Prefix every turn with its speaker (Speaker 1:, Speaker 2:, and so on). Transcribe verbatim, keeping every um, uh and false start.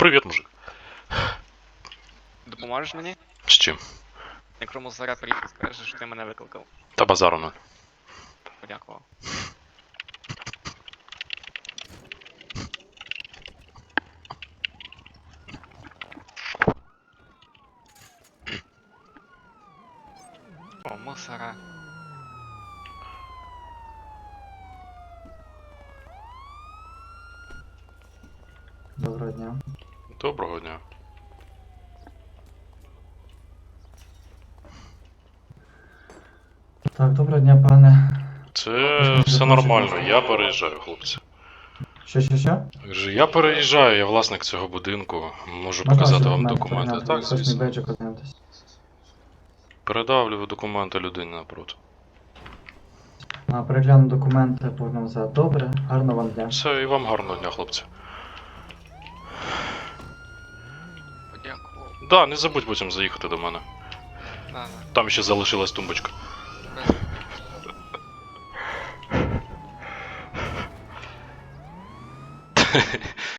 Speaker 1: Привіт, мужик.
Speaker 2: Допоможеш мені?
Speaker 1: З чим?
Speaker 2: Якщо мусора приїхав, скажеш, що ти мене викликав.
Speaker 1: Та базару нуль.
Speaker 2: Подякував. О, мусора.
Speaker 3: Доброго дня.
Speaker 1: Доброго дня.
Speaker 3: Так, доброго дня, пане.
Speaker 1: Це все нормально, я переїжджаю, хлопці.
Speaker 3: Що, що, що?
Speaker 1: Кажу, я переїжджаю, я власник цього будинку. Можу
Speaker 3: Можна
Speaker 1: показати
Speaker 3: ваші
Speaker 1: вам
Speaker 3: документи
Speaker 1: документи.
Speaker 3: перейняти?
Speaker 1: Так,
Speaker 3: Хоч мій
Speaker 1: звісно.
Speaker 3: бейджик ознайомитись.
Speaker 1: Передавлю документи людині напроти.
Speaker 3: А, перегляну документи, поверну назад. Добре, гарного вам дня.
Speaker 1: Все, і вам гарного дня, хлопці.
Speaker 2: Подякував.
Speaker 1: Да, не забудь потім заїхати до мене.
Speaker 2: Да, да.
Speaker 1: Там ще залишилась тумбочка.
Speaker 2: Без